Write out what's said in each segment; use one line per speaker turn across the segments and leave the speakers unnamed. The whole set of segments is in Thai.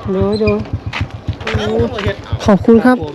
โดยขอบคุณครับ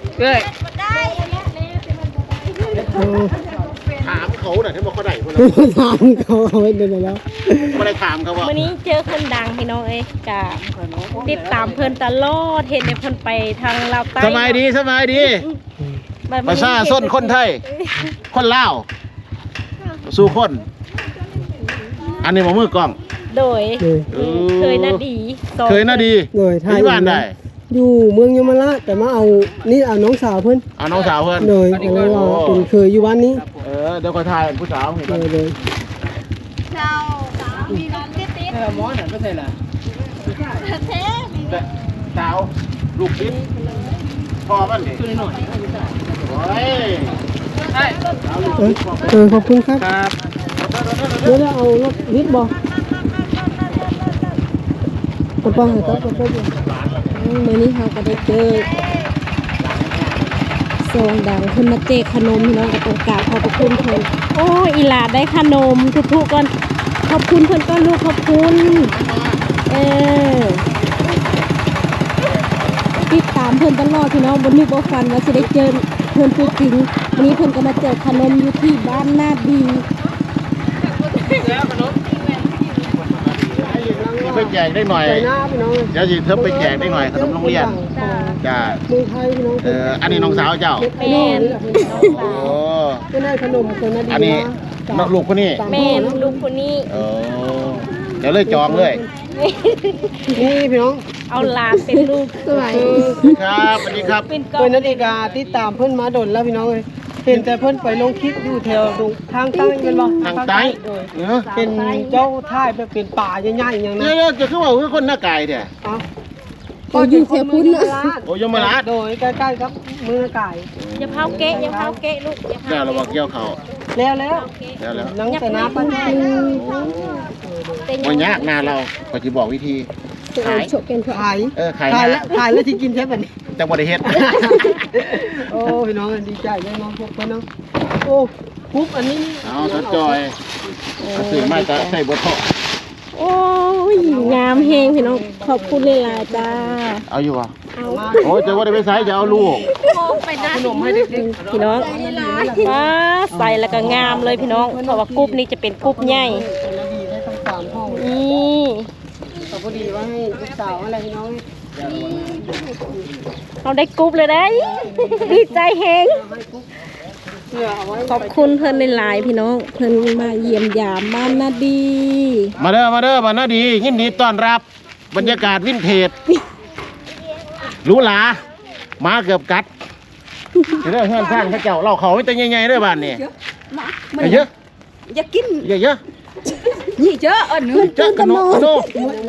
ถามเขาหน่อยที่บอกเขาได้คนละ
ถามเขาเอาไว้เดี๋ยวแล้ว
ไม่ได้ถามเขาว่า
วันนี้เจอคนดังพี่น้องเอ้ยกะติดตามเพิ่นตลอดเห็นในเพิ่นไปทางลาวใต้
สบายดีประชาชนคนไทยคนลาวสู้คนอันนี้มามือกล้อง
โดยเคยน่าดี
โดยไทย
ที่บ้านได้
อยู่เมืองยมราชแต่มาเอานี่เอาน้องสาวเพิ่น
เอาน้องสาวเพื่อน
โดยอะไรว่าเป็นเคยอยู่บ้านนี้
เดี๋ยวก็ถ่ายผู้สาวเห็น
โดย
เจ้ามีน้องติด
หมอน่ะไม่ใช่ล่ะสาวลูกติดพ่อมันดิโอ้ย
ขอบคุณครับเดี๋ยวเอารถนิดบอกกระป๋องให้ครับกระป๋องมื้อนี้เขาก็ได้เจอซองดังเพิ่นมาแจกขนมพี่น้องกับโอกาสขอบคุณเพิ่นโอ้อีหลาได้ขนมทุกๆก่อนขอบคุณเพิ่นก่อนลูกขอบคุณติดตามเพิ่นตลอดพี่น้องบ่นึกบ่ฝันว่าสิได้เจอเพิ่นตัวจริงวันนี้เพิ่นก็มาแจกขนมอยู่ที่บ้านนาดี
ไปแจกได้หน่อยเดี๋ยวสิเธอไปแจกได้หน่อยขนมโรงเรียนจ้าอันนี้น้องสาวเจ้า
แม่น
โอ้
ไม่ได้ขนมคนนาดี
อันนี้ลูกคนนี้
แม่นลูกคนนี้
เดี๋ยวเลยจองเลย
นี่พี่น้อง
เอาหลานเป็นลูก
สวัส
ครับสวัสดีครับ
เป็น
เพิ่นนาฬิกาติดตามเพิ่นมาดนแล้วพี่น้องเอ้ยเห็นแต่เพิ่นไปลงคลิปอยู่แถวทางใต้แม่นบ่
ทางใต้
เป็นเจ้าท่ายเป็นป่าใหญ่ๆอย่างนั้น
เดี๋ยวจะคือว่าคือคนหน้ากายเด้อ
เอ้าก็อยู่แถวพุ้นนะ
โอ้ยมราช
โดยใกล้ๆครับเมืองไก่
อย่าเผาเกะอย่าเผาเกะลูกอย่าเผา
แล้วเราบอกเกี่ยวเขา
แล้ว
แล้ว
นังแต่น้ำปัน
วันยากนาเราก็จะบอกวิธีขาย
ขาย
ขาย
แล้วที่กินใช่ป่ะนี่
จังหวัดเฮ็ด
โอ้พี่น้องดีใจเลยน้องพวกพี่น้องโอ้คุกอันนี้
เอาสดจอยสื่อมาจะใส่บททอ
โอ้ยงามเฮงพี่น้องขอบคุณเลยล่ะจ้า
เอาอยู่อ่ะโอ้ยจะว่าได้ไปใส่จะเอาลูก
ไปนะขนมให้เด็กพี่น้องว้าใส่แล้วก็งามเลยพี่น้องเพราะว่ากรุ๊ปนี้จะเป็นกรุ๊ปใหญ่นี่
ขอบคุณดีว่าให้ลูกสาวอะไรพี่น้อง
เราได้กรุ๊ปเลยได้ดีใจเฮงขอบคุณเพื่อนหลายๆพี่น้องเพื่อนมาเยี่ยมยามบ้านนาดี
มาเด้อบ้านนาดียินดีต้อนรับบรรยากาศวินเทจหรูหรามาเกือบกัดเรื่องเฮือนสร้างพระเจ้าเราเขาไม่แต่ใหญ่ๆด้วยบ้านนี่เยอะ
อย่ากิน
เยอะ
นี่เยอะเนื้อ
เจ้ากระโนก
เด้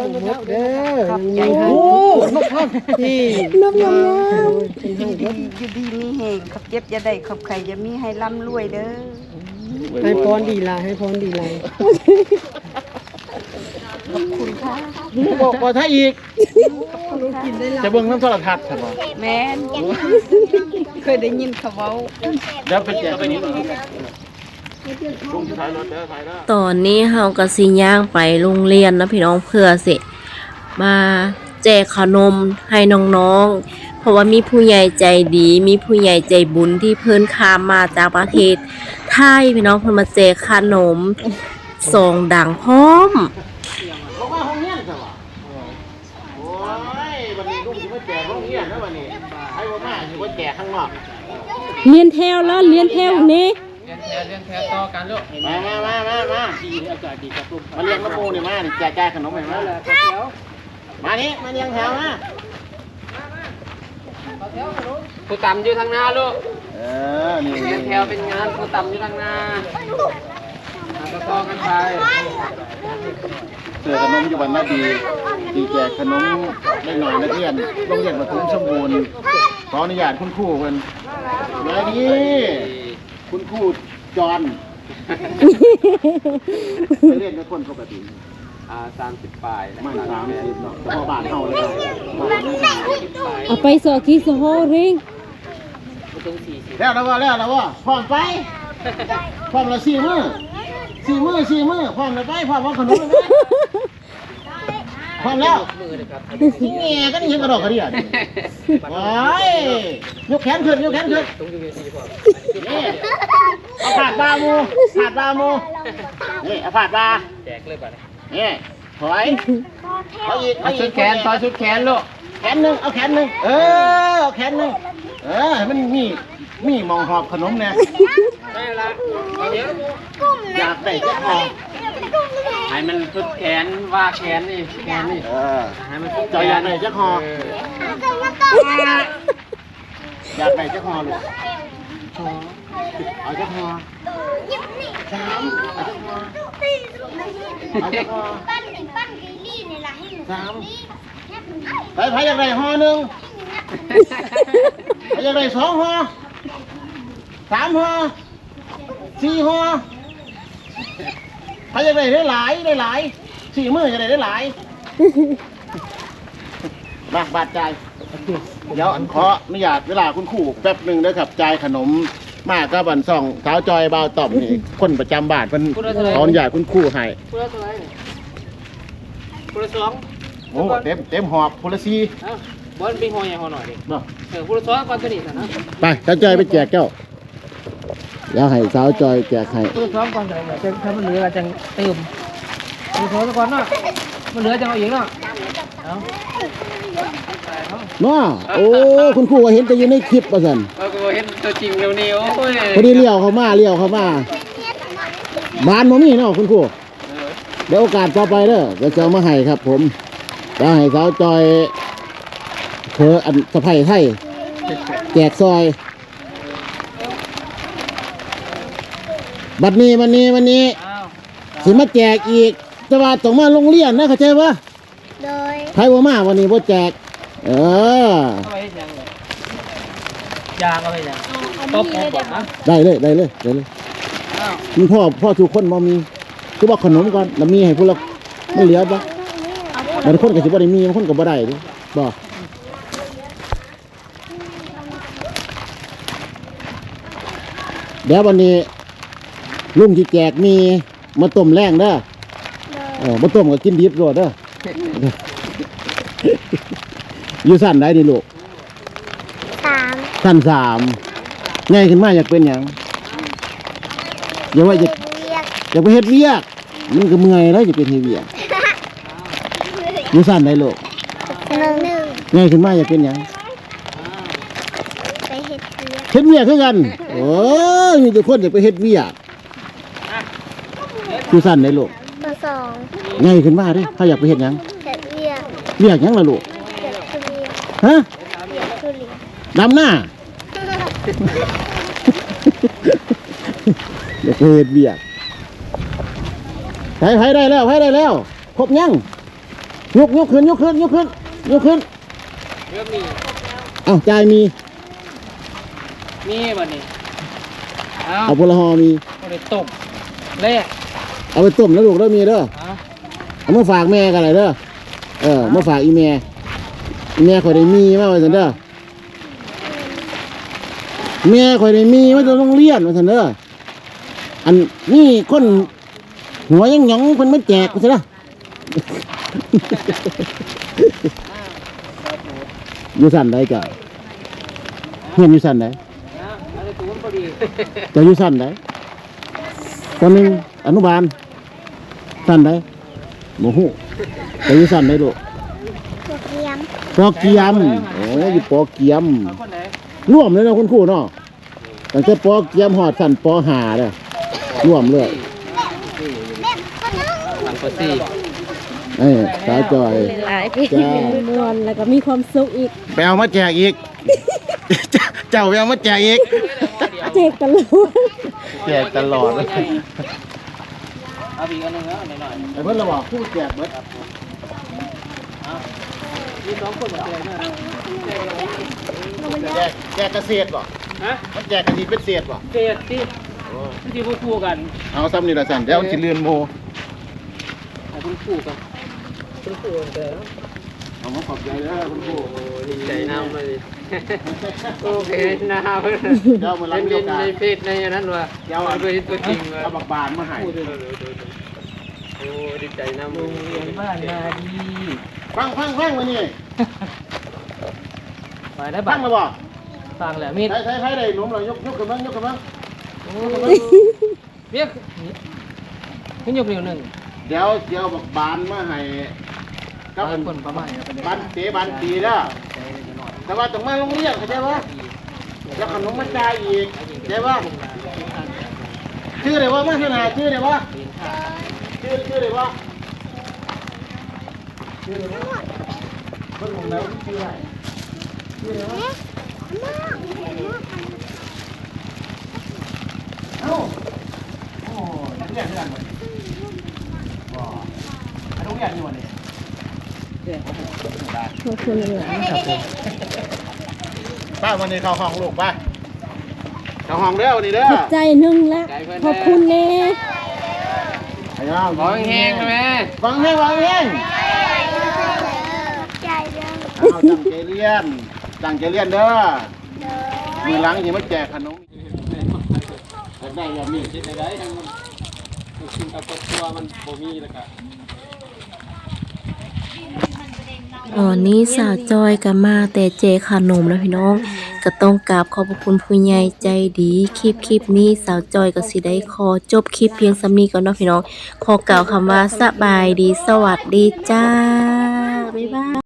อโอ้นกพันที่นกงาม
อยู่ดีมีแห่งขับเจ็บจะได้ขับไข่จะมีให้ร่ำรวยเด้อ
ให้พรดีลายให้พรดีลาย
ขอบคุณค่ะ
บอกว่าถ้าอีกจะเบิ่งน้ำโทรทัศน์ใช่ไหม
แม่นเคยได้ยินเขาเว้า
เดี๋ยวไปแจกไปนี้
ตอนนี้เฮาก็สิย่างไปโรงเรียนนะพี่น้องเพื่อสิมาแจกขนมให้น้องๆเพราะว่ามีผู้ใหญ่ใจดีมีผู้ใหญ่ใจบุญที่เพิ่นข้ามมาจากประเทศไทยพี่น้องเพิ่นมาแจกขนมซองดังพร้อม
บอกว่าห้องเรียนใช่ป่ะโอ้ยวันนี้ลูกจะมาแจกห้องเรียนนะวันนี้ไอ้บ่มาจะมาแจกข้างนอก
เรียนแถวแล้วเรียนแถวนี้
เรียนแถวต่อกันลูก
มาดีอากาศดีครับลูกมาเลี้ยงมะม่วงนี่มาดิแจกขนมให้มามานี่มาเลี้ยงแถวมา
ผู้ต่ำอยู่ทางหน้าลูก
นี่
เรียนแถวเป็นงานผู้ต่ำอยู่ทางหน้าต่อกันไป
เสือขนมอยู่บ้านนาดีดีแจกขนมได้หน่อยนักเรียนโรงเรียนปฐมสมบูรณ์ขออนุญาตคุณครูเพิ่นมาดีคุณครูจอนไปเรียนกับคนปกติ
30 ปลาย
มา30เนาะเฉพาะบ้านเฮาเลย
เอาไปสอที่สโฮเร่ง
แล้วว่าพร้อมไปพร้อมละ4 มื้อพร้อมแล้วไปพร้อมเอาขนมเลยพร้อมแล้ว
มือเลยครับ
แง่ก็นี่เห็นกระดอกกระเดี่ยโอ้ยยกแขนขึ้นยกแขนขึ้น
ต้องอยู่ในทีพอ
นี่เอาผาดบามูผาดบามูนี่เอาผาดบา
แจกเลยป่ะ
นี่ถอยเอาอีก
เอาชุดแขนต่อชุดแขนลูก
แขนหนึ่งเอาแขนหนึ่งเอาแขนหนึ่งให้มันมีมองหอบขนมเนี่ย
ได้ละเอาเดี๋ยว
อยากได้จะหอบ
ให้มันชุดแขนว่าแขนนี่แขนนี่ให้มันชุดแข
จะ
น
อยากได้จะหอบอยากได้จะหอบลูกเอาจะหอบสามเอาจะหอบเอาจะหอบสามไปอยากได้ห่อหนึ่งไปอยากได้2 ห่อ3 ห่อ4 ห่อไปอยากได้หลาย4 มื้อจะได้หลายมาบาดใจายเดี๋ยวขออนุญาตเวลาคุณครูแป๊บหนึ่งนะครับจ่ายขนมมากก็บันส่องเท้าจอยบ่าวต่อมนี่คนประจำบ้านเป็นขออนุญาตคุณครูให้
พูดละเท่าไหร่พูดละสอง
โอ้เต็มหอบพลซี
เอ้าบอลเป็นหอยใหญ่หอหน่อยดิ
เนาะ
พูดละสองก่อนตัวนี้นะ
ไปเท้าจอยไปแจกเจ้าเดี๋ยวให้สาวจอยแจกให้
พูดละสองก่อนเดี๋ยวถ้ามันเหลือจังเติมพูดละสองก่อนเนาะมันเหลือจังเอาอีกเนาะเอา
เนาะโอ้คุณครูว่าเห็นแต่อยู่ในคลิปว่าซั่น
ก็เห็นตัวจริงเร็วนี้โอ้ย
พอดีเลี้ยวเข้ามาบ้านบ่มีเนาะคุณครูเดี๋ยวโอกาสต่อไปเด้อเดี๋ยวจะเอามาให้ครับ ผมจะให้สาวจอยเธออันสะไพไทยแจกซอยบัดนี้สิมาแจกอีกแต่ว่าต้องมาโรงเรียนนะเข้าใจปะ
โดย
ไผบ่มาวันนี้บ่แจก
เอาไปยังยางเอาไปยังตบผมนะ
ได้เลยมีพ่อทุกคนบ่มีคือบอกขนมก่อนแล้วมีให้ผู้ละมันเหลือบ่บางคนก็สิบ่ได้มีบางคนก็บ่ได้ดิบ่เดี๋ยววันนี้ลุงที่แจกมีมาต้มแรงเด้อมาต้มก็กินดิบโลดเด้ออยู่สั้นได้นี่ลูก
3
สั้นง่ายขึ้นมาอยากเป็นหยังอย่าว่าอยาก
เรียก
อยากไปเฮ็ดเวียกมันก็เมื่อยแล้วจะเป็นเฮ็ดเวียกอยู่สั้นได้ลูก
1
ง่ายขึ้นมาอยากเป็นหยัง
ไปเฮ็ดเรียก
เฮ็ดเวียกคือกันโอ้ยมีแต่คนอยากไปเฮ็ดเวียกอยู่สั้นได้ลูก
ป 2
ง่ายขึ้นมาเด้เขาอยากไปเฮ็ดหยัง
เฮ็ดเรียก
เวียกหยังล่ะลูก
เฮ็ดทุเรียน
ฮะ
เฮ็ดทุเรียน
ดำหน้า อยากไปเฮ็ดเวียกไผได้แล้วครบยังยกขึ้น
เรื่องมี
เอ้าจ่ายมี
วันนี้เอา
เอาพลหอมี
เอาไปตบแรก
เอาไปต้มแล้วลูกแล้วมีเด้อ เอามาฝากแม่กันเลยเด้อมาฝากอีแม่ข่อยได้มีมาว่าซั่นเด้อแม่ข่อยได้มีมาจากโรงเรียนว่าซั่นเด้ออันนี่คนหัวยังหยองเพิ่นมาแจกว่าซั่นเด้อ อยู่สั่นได้จ้ะเฮียนอยู่สั่นได้
อะไรตัวมันพอดี
จะอยู่สั่นได้ตอนนึงอนุบาลสั่นได้โมโหจะอยู่สั่นได้ลูก
พวกเกียม
ปอเกียมโอ้ยอยู่ปอเกียม
เอาคนไหน
ร่วมเลยนะคุณครูเนาะตั้งแต่ปอเกียมหอดสั่นปอหาเลยร่วมเลย
หลังปสี่
สาวจอย
หลายพี่
จ้า
มวนแล้วก็มีความสุขอีก
ไปเอามาแจกอีก เจ้าไปเอามาแจกอีก
เจกตลอด
แจกตลอด
เอาอีกอันหนึงแล้วหน่อย
ไอ้เพิ่นเราบอกผู้แจกเบิด
มีสองคนหมดเลยนะ
แจกเกษตรบ่
ฮะ
มันแจกกันดีเป็นเศษบ่
เกลียดที่ที่พูดคู่กัน
เอาซ้ำนี่ละสั่นเดี๋ยวสิเลือนโม
เอาคุณคู่กันคุณคู่กันเด้อ
เอามาขอบใจเด้อคุณครู
ดีใจน้ำเลยโอเคน้ำเพื่อน
เดี๋ยวมารับ
เป็น
เดียวกัน
ในเพจในนั้นว่ะเดี๋ยวเอาไปตัวจริงว่ะ
เอาบักบานมาให้
โอ้ดีใจน้ำโรงเรียนบ้านนาดี
ฟังมานี่
ไปได้
ฟั
บั
ง
ง
มาบ่
ฟังแหละมีด
ใช้ได้หนุ่มเลยยกขึ้นบ้าง
เบี้ยขึ้นยกเร็วหนึ่ง
เดี๋ยวบอกบานมาให้กับ
คนประมาณ
บานตีเด้อแต่ว่าต้องมาโรงเรียนเข้าใจปะแล้วขนมมาจ่ายอีกเข้าใจปะชื่ออะไรวะมาชื่อไหนชื่ออะไรวะชื่ออะไรวะชื่ออะไรวะเพิ่งผมแล้วชื่ออะไรชื่ออะไรวะเอ้าโอ้นักเรียนด้วยกันหมดว้านักเรียนอยู่วันนี้
ขอบคุณหลานๆ
ป้าวันนี้เข้าห้องลูกป้าเข้าห้องเด้อวันนี้เด้อ
ขอบใจหนึงละขอบคุณแน่
ขอแห้งๆนะแม่
ฟังเพลง
ใจเรื่อง
เอาตั้งใจเรียนเด้อมือหลังอย่ามาแจกขนมได้แบบนี้คิดได้ทั้งกินกับครอบครัวมันบ่มีแล้วก็
ตอนนี้สาวจอยก็มาแต่เจขนมแล้วพี่น้องก็ต้องกราบขอบพระคุณผู้ใหญ่ใจดีคลิปนี้สาวจอยก็สิได้ขอจบคลิปเพียงส่ำนี้ก่อนเนาะพี่น้องขอกล่าวคำว่าสบายดีสวัสดีจ้าบ๊ายบาย